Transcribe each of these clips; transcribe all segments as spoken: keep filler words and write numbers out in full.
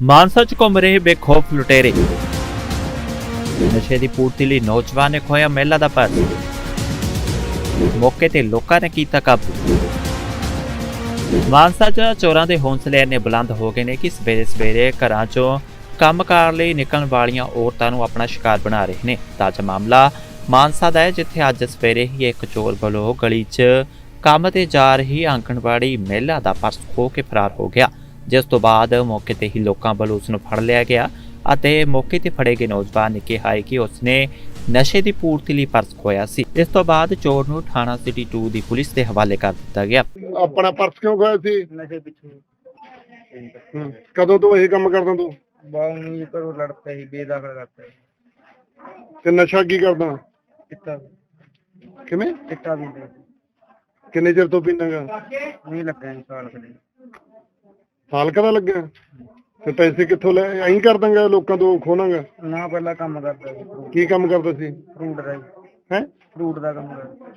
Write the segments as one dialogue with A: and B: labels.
A: ਮਾਨਸਾ ਚ ਘੁੰਮ ਰਹੇ ਬੇਖੌਫ ਲੁਟੇਰੇ। ਨਸ਼ੇ ਦੀ ਪੂਰਤੀ ਲਈ ਨੌਜਵਾਨ ਨੇ ਖੋਇਆ ਮਹਿਲਾ ਦਾ ਪਰਸ। ਮੌਕੇ ਤੇ ਲੋਕਾਂ ਨੇ ਕੀਤਾ ਕਾਬੂ। ਮਾਨਸਾ ਚ ਚੋਰਾਂ ਦੇ ਹੌਂਸਲੇ ਨੇ ਬੁਲੰਦ ਹੋ ਗਏ ਨੇ ਕਿ ਸਵੇਰੇ ਸਵੇਰੇ ਘਰਾਂ ਚੋਂ ਕੰਮਕਾਰ ਲਈ ਨਿਕਲਣ ਵਾਲੀਆਂ ਔਰਤਾਂ ਨੂੰ ਆਪਣਾ ਸ਼ਿਕਾਰ ਬਣਾ ਰਹੇ ਨੇ। ਤਾਜ਼ਾ ਮਾਮਲਾ ਮਾਨਸਾ ਦਾ ਹੈ, ਜਿੱਥੇ ਅੱਜ ਸਵੇਰੇ ਹੀ ਇੱਕ ਚੋਰ ਵੱਲੋਂ ਗਲੀ 'ਚ ਕੰਮ ਤੇ ਜਾ ਰਹੀ ਆਂਗਣਵਾੜੀ ਮਹਿਲਾ ਦਾ ਪਰਸ ਖੋਹ ਕੇ ਫਰਾਰ ਹੋ ਗਿਆ, ਜਿਸ ਤੋਂ ਬਾਅਦ ਮੌਕੇ ਤੇ ਹੀ ਲੋਕਾਂ ਵੱਲੋਂ ਉਸ ਨੂੰ ਫੜ ਲਿਆ ਗਿਆ ਅਤੇ ਮੌਕੇ ਤੇ ਫੜੇ ਗਏ ਨੌਜਵਾਨ ਨੇ ਕਿਹਾ ਕਿ ਉਸਨੇ ਨਸ਼ੇ ਦੀ ਪੂਰਤੀ ਲਈ ਪਰਸ ਖੋਇਆ ਸੀ। ਇਸ ਤੋਂ ਬਾਅਦ ਚੋਰ ਨੂੰ ਥਾਣਾ ਸਿਟੀ ਟੂ ਦੀ ਪੁਲਿਸ ਦੇ ਹਵਾਲੇ ਕਰ ਦਿੱਤਾ ਗਿਆ।
B: ਆਪਣਾ ਪਰਸ ਕਿਉਂ ਖੋਇਆ ਸੀ?
C: ਨਸ਼ੇ ਪਿੱਛੇ।
B: ਹੂੰ। ਕਦੋਂ ਤੋਂ ਇਹ ਕੰਮ ਕਰਦਾ ਤੂੰ?
C: ਬਾਉਂ ਕਰੋ ਲੜ ਪਿਆ ਸੀ, ਬੇਦਖਲ ਕਰਤਾ ਸੀ।
B: ਤੇ ਨਸ਼ਾ ਕੀ ਕਰਦਾ?
C: ਚਿੱਟਾ
B: ਕਿਵੇਂ?
C: ਚਿੱਟਾ ਵੀ ਦੇ
B: ਕਿੰਨੇ ਚਿਰ ਤੋਂ ਪੀਣਾਗਾ?
C: ਨਹੀਂ ਲੱਗਾ ਜੀ ਸਾਲ ਕਦੇ।
B: ਸਾਲ ਕਦਾ ਲੱਗਿਆ? ਤੇ ਪੈਸੇ ਕਿੱਥੋਂ ਲੈ? ਐਂ ਕਰ ਦਾਂਗਾ ਲੋਕਾਂ ਤੋਂ ਖੋਣਾਗਾ?
C: ਨਾ ਪਹਿਲਾਂ ਕੰਮ ਕਰਦਾ ਸੀ,
B: ਕੀ ਕੰਮ ਕਰਦਾ ਸੀ?
C: ਫਰੂਟ ਦਾ ਜੀ।
B: ਹੈ?
C: ਫਰੂਟ ਦਾ ਕੰਮ ਕਰਦਾ।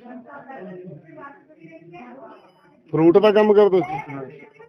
B: ਫਰੂਟ ਦਾ ਕੰਮ ਕਰਦਾ ਸੀ।
C: ਹਾਂ।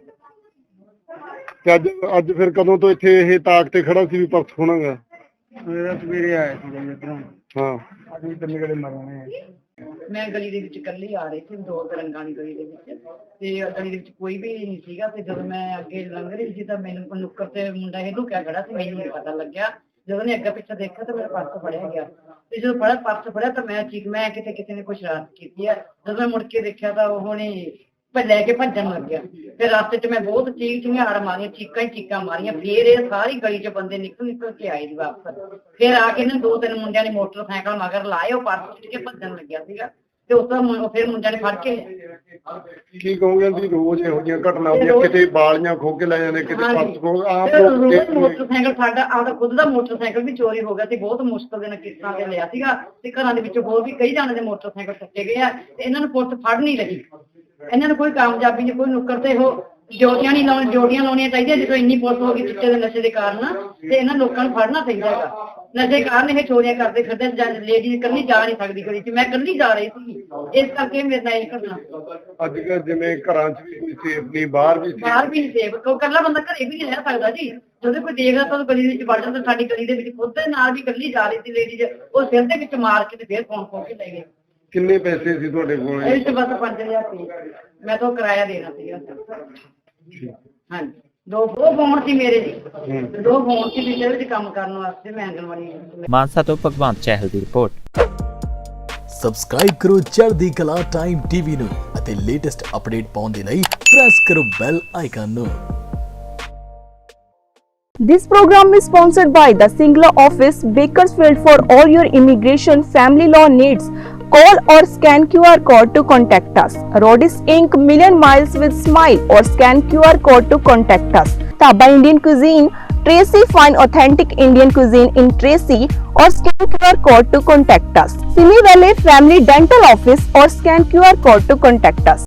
B: ਤੇ ਅੱਜ ਅੱਜ ਫਿਰ ਕਦੋਂ ਤੋਂ ਇੱਥੇ ਇਹ ਤਾਕ ਤੇ ਖੜਾ ਸੀ ਵੀ ਪਰਸ ਖੋਣਾਗਾ?
C: ਮੇਰਾ ਸਵੇਰੇ ਆਇਆ ਸੀ ਜੀ ਇੱਧਰੋਂ।
B: ਹਾਂ।
C: ਅੱਜ ਵੀ ਤਿੰਨ ਗੜੇ ਮਰਨੇ।
D: ਮੈਂ ਗਲੀ ਦੇ ਵਿੱਚ ਇਕੱਲੀ ਆ ਰਹੀ ਸੀ, ਦੋ ਤਰੰਗਾਂ ਦੀ ਗਲੀ ਦੇ ਵਿੱਚ, ਤੇ ਗਲੀ ਦੇ ਵਿੱਚ ਕੋਈ ਵੀ ਨਹੀਂ ਸੀਗਾ। ਤੇ ਜਦੋਂ ਮੈਂ ਅੱਗੇ ਲੰਘ ਰਹੀ ਸੀ ਤਾਂ ਮੈਨੂੰ ਨੁੱਕਰ ਤੇ ਮੁੰਡਾ ਇਹ ਲੁਕਿਆ ਖੜਾ ਸੀ, ਮੈਨੂੰ ਨਹੀਂ ਪਤਾ ਲੱਗਿਆ। ਜਦੋਂ ਨੇ ਅੱਗੇ ਪਿੱਛੇ ਦੇਖਿਆ ਤਾਂ ਮੇਰਾ ਪਰਸ ਫੜਿਆ ਗਿਆ, ਤੇ ਜਦੋਂ ਫੜਿਆ ਪਰਸ ਫੜਿਆ ਤਾਂ ਮੈਂ ਚੀਕ ਮੈਂ ਕਿਤੇ ਕਿਸੇ ਨੇ ਕੁਛ ਸ਼ਰਾਰਤ ਕੀਤੀ ਹੈ। ਜਦੋਂ ਮੈਂ ਮੁੜ ਕੇ ਦੇਖਿਆ ਤਾਂ ਉਹਨੇ ਲੈ ਕੇ ਭੱਜਣ ਲੱਗਿਆ। ਫਿਰ ਰਸਤੇ 'ਚ ਮੈਂ ਬਹੁਤ ਚੀਕ ਚਿਹਾੜ ਮਾਰੀਆਂ, ਚੀਕਾਂ ਹੀ ਚੀਕਾਂ ਮਾਰੀਆਂ। ਫਿਰ ਇਹ ਸਾਰੀ ਗਲੀ 'ਚ ਬੰਦੇ ਨਿਕਲ ਨਿਕਲ ਕੇ ਆਏ ਜੀ ਵਾਪਸ। ਫਿਰ ਆ ਕੇ ਨਾ ਦੋ ਤਿੰਨ ਮੁੰਡਿਆਂ ਨੇ ਮੋਟਰਸਾਈਕਲ ਮਗਰ ਲਾਏ, ਉਹ ਪਰਸ ਚੁੱਕ ਕੇ ਭੱਜਣ ਲੱਗਿਆ ਸੀਗਾ। ਤੇ ਉਸ ਤੋਂ ਫਿਰ ਮੁੰਡਿਆਂ ਨੇ ਫੜ ਕੇ
B: ਕੀ ਕਹੋਗੇ ਜੀ? ਰੋਜ਼ ਇਹੋ ਜਿਹੀਆਂ ਘਟਨਾ ਹੁੰਦੀਆਂ, ਕਿਤੇ ਬਾਲੀਆਂ ਖੋ ਕੇ ਲੈ ਜਾਂਦੇ, ਕਿਤੇ ਪਰਸ ਖੋ। ਆਪ ਲੋਕ
D: ਮੋਟਰਸਾਈਕਲ ਸਾਡਾ ਆਪਦਾ ਖੁਦ ਦਾ ਮੋਟਰਸਾਈਕਲ ਵੀ ਚੋਰੀ ਹੋ ਗਿਆ ਸੀ। ਬਹੁਤ ਮੁਸ਼ਕਲ ਦੇ ਨਾਲ ਕਿਸ਼ਤਾਂ ਤੇ ਲਿਆ ਸੀਗਾ, ਤੇ ਘਰਾਂ ਦੇ ਵਿੱਚ ਹੋਰ ਵੀ ਕਈ ਜਾਣੇ ਦੇ ਮੋਟਰਸਾਈਕਲ ਟੱਕੇ ਗਏ ਆ, ਤੇ ਇਹਨਾਂ ਨੂੰ ਪੁਲਿਸ ਫੜ ਨਹੀਂ ਰਹੀ। ਇਹਨਾਂ ਨੂੰ ਕੋਈ ਕਾਮਯਾਬੀ ਨਹੀਂ, ਕੋਈ ਨੁੱਕਰ ਤੇ ਉਹ ਜੋੜੀਆਂ ਨਹੀਂ ਲਾਉਣ ਜੋੜੀਆਂ ਲਾਉਣੀਆਂ ਚਾਹੀਦੀਆਂ। ਜਦੋਂ ਇੰਨੀ ਪੁਲਿਸ ਹੋ ਗਈ ਚਿੱਟੇ ਦੇ ਨਸ਼ੇ ਦੇ ਕਾਰਨ, ਤੇ ਇਹਨਾਂ ਲੋਕਾਂ ਨੂੰ ਫੜਨਾ ਚਾਹੀਦਾ ਹੈਗਾ। ਨਸ਼ੇ ਕਾਰਨ ਇਹ ਚੋਰੀਆਂ ਕਰਦੇ ਫਿਰਦੇ। ਲੇਡੀ ਇਕੱਲੀ ਜਾ ਨਹੀਂ ਸਕਦੀ ਗਲੀ 'ਚ, ਮੈਂ ਇਕੱਲੀ ਜਾ ਰਹੀ ਸੀ, ਇਸ ਕਰਕੇ ਮੇਰੇ ਨਾਲ ਇਹ ਘਟਨਾ।
B: ਅੱਜ ਕੱਲ੍ਹ ਜਿਵੇਂ ਘਰਾਂ 'ਚ ਵੀ ਕੋਈ ਸੇਫ ਨਹੀਂ, ਬਾਹਰ ਵੀ
D: ਬਾਹਰ ਵੀ ਨਹੀਂ ਸੇਫ। ਕੋਈ ਇਕੱਲਾ ਬੰਦਾ ਘਰੇ ਵੀ ਨਹੀਂ ਰਹਿ ਸਕਦਾ ਜੀ। ਜਦੋਂ ਕੋਈ ਦੇਖਦਾ ਤਾਂ ਗਲੀ ਵਿੱਚ ਵੜ ਜਾਂਦਾ। ਸਾਡੀ ਗਲੀ ਦੇ ਵਿੱਚ ਖੁਦ ਦੇ ਨਾਲ ਵੀ ਇਕੱਲੀ ਜਾ ਰਹੀ ਸੀ ਲੇਡੀ, ਉਹ ਸਿਰ ਦੇ ਵਿੱਚ ਮਾਰ ਕੇ ਤੇ ਫਿਰ ਫੋਨ ਖੋ ਕੇ ਲੈ ਗਏ।
B: ਕਿੰਨੇ ਪੈਸੇ ਸੀ ਤੁਹਾਡੇ ਕੋਲ?
D: ਇਹ ਚ ਬਸ ਪੰਜ ਹਜ਼ਾਰ ਸੀ, ਮੈਂ ਤਾਂ ਕਿਰਾਇਆ ਦੇਣਾ ਸੀਗਾ। ਹਾਂਜੀ, ਦੋ ਦੋ ਫੋਨ ਸੀ ਮੇਰੇ ਜੀ, ਦੋ ਫੋਨ ਸੀ ਜਿਹਦੇ ਵਿੱਚ ਕੰਮ ਕਰਨ ਵਾਸਤੇ ਮੈਂ ਆਂਗਣਵਾੜੀ।
A: ਮਾਨਸਾ ਤੋਂ ਭਗਵੰਤ ਚਹਿਲ ਦੀ ਰਿਪੋਰਟ।
E: ਸਬਸਕ੍ਰਾਈਬ ਕਰੋ ਚੜ੍ਹਦੀ ਕਲਾ ਟਾਈਮ ਟੀਵੀ ਨੂੰ ਅਤੇ ਲੇਟੈਸਟ ਅਪਡੇਟ ਪਾਉਣ ਦੇ ਲਈ ਪ੍ਰੈਸ ਕਰੋ ਬੈਲ ਆਈਕਨ ਨੂੰ।
F: This program is sponsored by the Singla office, Bakersfield. For all your immigration family law needs, call or scan Q R code to contact us. Rodis Incorporated, Million Miles with Smile, or scan Q R code to contact us. Taba Indian Cuisine, Tracy, find authentic Indian cuisine in Tracy, or scan Q R code to contact us. Simi Valley Family Dental Office, or scan Q R code to contact us.